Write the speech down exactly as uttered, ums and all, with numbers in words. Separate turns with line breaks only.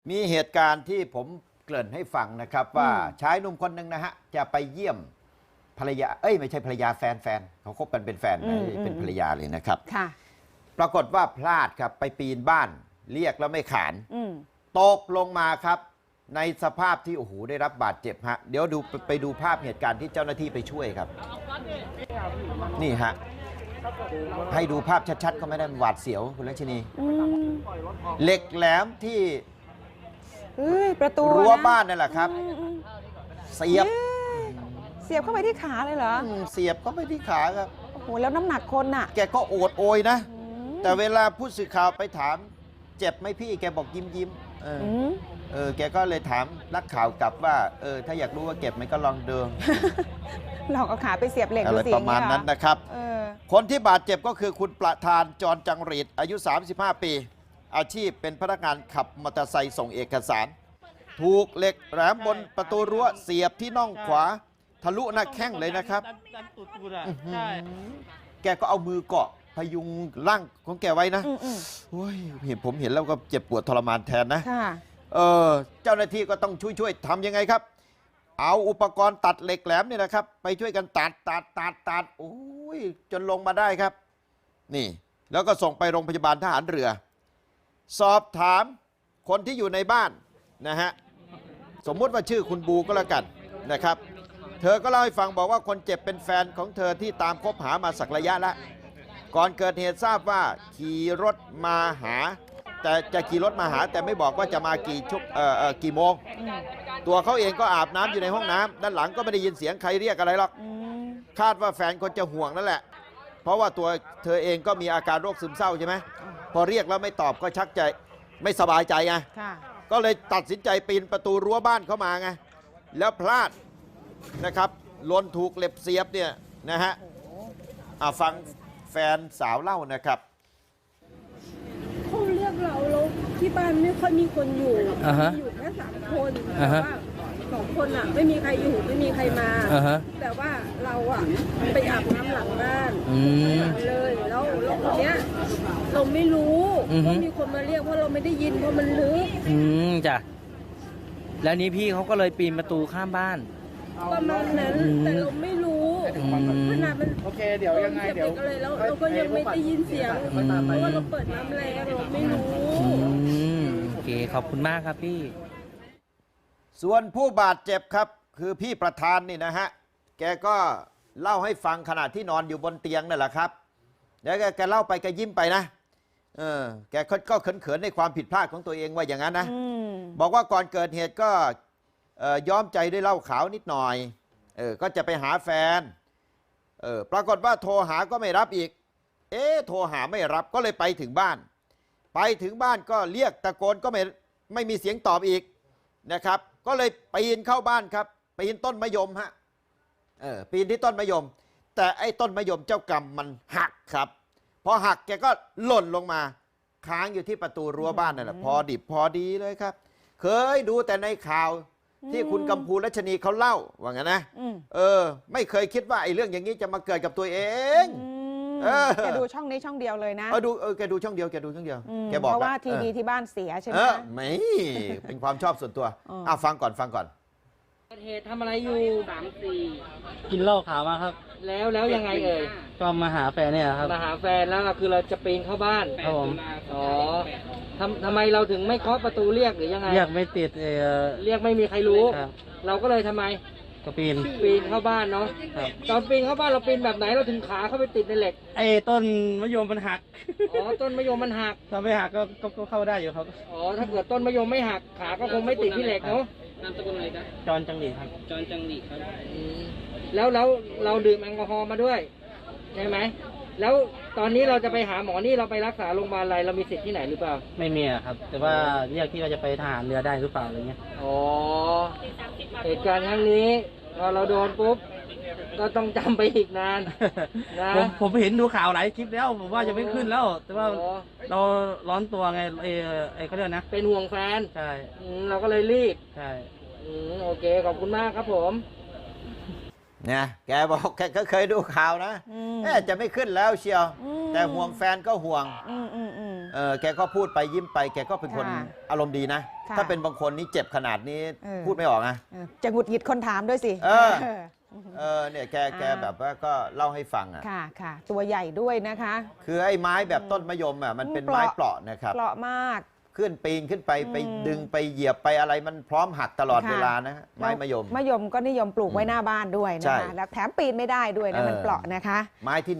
มีเหตุการณ์ที่ผมเกริ่นให้ฟังนะครับว่าชายหนุ่มคนหนึ่งนะฮะจะไปเยี่ยมภรรยาเอ้ยไม่ใช่ภรรยาแฟนแฟนเขาคบกันเป็นแฟนนะเป็นภรรยาเลยนะครับ
ค่ะ
ปรากฏว่าพลาดครับไปปีนบ้านเรียกแล้วไม่ขานตกลงมาครับในสภาพที่โอ้โหได้รับบาดเจ็บฮะเดี๋ยวดูไปดูภาพเหตุการณ์ที่เจ้าหน้าที่ไปช่วยครับนี่ฮะให้ดูภาพชัดๆก็ไม่ได้หวาดเสียวคุณลักษณีเหล็กแหลมที่
ประตู
รั้วบ้านนั่นแหละครับเสียบ
เสียบเข้าไปที่ขาเลยเหรอ
เสียบเข้าไปที่ขาครับ
โอ้โหแล้วน้ำหนักคนน่ะ
แกก็โอดโอยนะแต่เวลาผู้สื่อข่าวไปถามเจ็บไหมพี่แกบอกยิ้มยิ้มเออเออแกก็เลยถามนักข่าวกลับว่าเออถ้าอยากรู้ว่าเจ็บไหมก็ลองเดิน
ลองเอาขาไปเสียบเหล็ก
อะไรประมาณนั้นนะครับคนที่บาดเจ็บก็คือคุณประธานจรจังหรีดอายุสามสิบห้าปีอาชีพเป็นพนักงานขับมอเตอร์ไซค์ส่งเอกสารถูกเหล็กแหลมบนประตูรั้วเสียบที่น่องขวาทะลุหน้าแข้งเลยนะครับแกก็เอามือเกาะพยุงร่างของแกไว้นะโอ้ยเห็นผมเห็นแล้วก็เจ็บปวดทรมานแทนนะเออเจ้าหน้าที่ก็ต้องช่วยช่วยทำยังไงครับเอาอุปกรณ์ตัดเหล็กแหลมนี่นะครับไปช่วยกันตัดตัดตัดตัดโอ้ยจนลงมาได้ครับนี่แล้วก็ส่งไปโรงพยาบาลทหารเรือสอบถามคนที่อยู่ในบ้านนะฮะสมมุติว่าชื่อคุณบูก็แล้วกันนะครับเธอก็เล่าให้ฟังบอกว่าคนเจ็บเป็นแฟนของเธอที่ตามคบหามาสักระยะแล้วก่อนเกิดเหตุทราบว่าขี่รถมาหาแต่จะขี่รถมาหาแต่ไม่บอกว่าจะมากี่ชุกเอ่อเอ่อกี่โมงตัวเขาเองก็อาบน้ำอยู่ในห้องน้ำด้านหลังก็ไม่ได้ยินเสียงใครเรียกอะไรหรอกคาดว่าแฟนคนจะห่วงนั่นแหละเพราะว่าตัวเธอเองก็มีอาการโรคซึมเศร้าใช่ไหมพอเรียกแล้วไม่ตอบก็ชักใจไม่สบายใจไงก็เลยตัดสินใจปีนประตูรั้วบ้านเข้ามาไงแล้วพลาดนะครับหล่นถูกเหล็บเสียบเนี่ยนะฮะฟังแฟนสาวเล่านะครับ
เขาเรียกเราแล้วที่บ้านไม่ค่อยมีคนอยู่ uh-huh. อยู่แค่สามคนแต่ว่าสองคนอ่ะไม่มีใครอยู่ไม่มีใครมา uh-huh. แต่ว่าเราอ่ะไปอาบน้ำหลังบ้านเลยแล้วแล้วคนเนี้ยเราไม่รู้ว่ามีคนมาเรียกเพราะเราไม่ได้ยินเพราะมันลึก
อืมจ้ะแล้วนี้พี่เขาก็เลยปีนประตูข้ามบ้าน
ประมาณนั้นแต่เราไม่รู้ขนาดมันโอเคเดี๋ยวยังไงเดี๋ยวอะไรแล้วเราก็ยังไม่ได้ยินเสียงเพราะว่าเราเปิดน้ำแรงเราไม่รู้
โอเคขอบคุณมากครับพี่
ส่วนผู้บาดเจ็บครับคือพี่ประธานนี่นะฮะแกก็เล่าให้ฟังขณะที่นอนอยู่บนเตียงนั่นแหละครับแล้วแกเล่าไปแกยิ้มไปนะเออแกก็เขินๆในความผิดพลาดของตัวเองว่าอย่างนั้นนะบอกว่าก่อนเกิดเหตุก็ย้อมใจด้วยเหล้าขาวนิดหน่อยเออก็จะไปหาแฟนเออปรากฏว่าโทรหาก็ไม่รับอีกเอ๊ะโทรหาไม่รับก็เลยไปถึงบ้านไปถึงบ้านก็เรียกตะโกนก็ไม่ไม่มีเสียงตอบอีกนะครับก็เลยปีนเข้าบ้านครับปีนต้นมะยมฮะเออปีนที่ต้นมะยมแต่ไอ้ต้นมะยมเจ้ากรรมมันหักครับพอหักแกก็หล่นลงมาค้างอยู่ที่ประตูรั้วบ้านนั่นแหละพอดิบพอดีเลยครับเคยดูแต่ในข่าวที่คุณกัมพูรัชนีเขาเล่าว่างั้นนะเออไม่เคยคิดว่าไอ้เรื่องอย่างนี้จะมาเกิดกับตัวเอง
แกดูช่องนี้ช่องเดียวเลยนะ
เออดูเออแกดูช่องเดียวแกดูช่องเดียวแกบอก
เพราะว่าทีวีที่บ้านเสียใช่ไหม
ไม่เป็นความชอบส่วนตัวอ่ะฟังก่อนฟังก่อน
เหตุทำอะไรอยู่สามสี่
กินเหล้าขาวมาครับ
แล้วแล้วยังไงเอ่ย
ก็มาหาแฟนเนี่ยครับ
มาหาแฟนแล้วคือเราจะปีนเข้าบ้าน
ครับผม
อ๋อทำทำไมเราถึงไม่เคาะประตูเรียกหรือยังไง
เรียกไม่ติดเออ
เรียกไม่มีใครรู้เราก็เลยทำไม
ก็ปีน
ปีนเข้าบ้านเนาะตอนปีนเข้าบ้านเราปีนแบบไหนเราถึงขาเข้าไปติดในเหล็ก
ไอ้ต้นมะยมมันหัก
อ๋อต้นมะยมมันหัก
ถ้าไม่หักก็ก็เข้าได้อยู่ครับ
อ๋อถ้าเกิดต้นมะยมไม่หักขาก็คงไม่ติดที่เหล็กเนาะ
นามสกุลอะไรครับจอนจังหลีครับ
จอนจังหลีครับแล้วแล้วเราดื่มแอลกอฮอล์มาด้วยใช่ไหมแล้วตอนนี้เราจะไปหาหมอนี่เราไปรักษาโรงพยาบาลอะไรเรามีสิทธิ์ที่ไหนหรือเปล่า
ไม่มีครับแต่ว่าเรียกที่ว่าจะไปทหารเรือได้หรือเปล่าอะไรเงี้ย
อ๋อเหตุการณ์ครั้งนี้พอเราโดนปุ๊บก็ต้องจำไปอีกนาน
นะผมผมเห็นดูข่าวหลายคลิปแล้วผมว่าจะไม่ขึ้นแล้วแต่ว่าเราร้อนตัวไงเอไอเขาเรียกนะ
เป็นห่วงแฟน
ใช่
เราก็เลยรีบ
ใช่
โอเคขอบคุณมากครับผม
เนี่ยแกบอกแกก็เคยดูข่าวนะแจะไม่ขึ้นแล้วเชียวแต่ห่วงแฟนก็ห่วงเออแกก็พูดไปยิ้มไปแกก็เป็นคน
ค่ะ
อารมณ์ดีนะ
ค่ะ
ถ้าเป็นบางคนนี่เจ็บขนาดนี้
เออ
พูดไม่ออกนะ
เออจะหงุดหงิดคนถามด้วยสิ
เออ
เออ
เออเนี่ยแกแก
อ่า
แบบว่าก็เล่าให้ฟังอ่ะ
ค่ะค่ะ ตัวใหญ่ด้วยนะคะ
คือไอ้ไม้แบบต้นมะยมอ่ะมันเป็นไม้เปราะนะครับ
เปราะมาก
ขึ้นปีนขึ้นไปไป
อืม
ดึงไปเหยียบไปอะไรมันพร้อมหักตลอด
ค่ะ
เวลานะฮะไม้มะยม
มะยมก็นิยมปลูกไว้หน้าบ้านด้วย
ใช่
นะคะ แล้วแถมปีนไม่ได้ด้วยนะ
เออ
มันเปราะนะคะ
ไม้ที่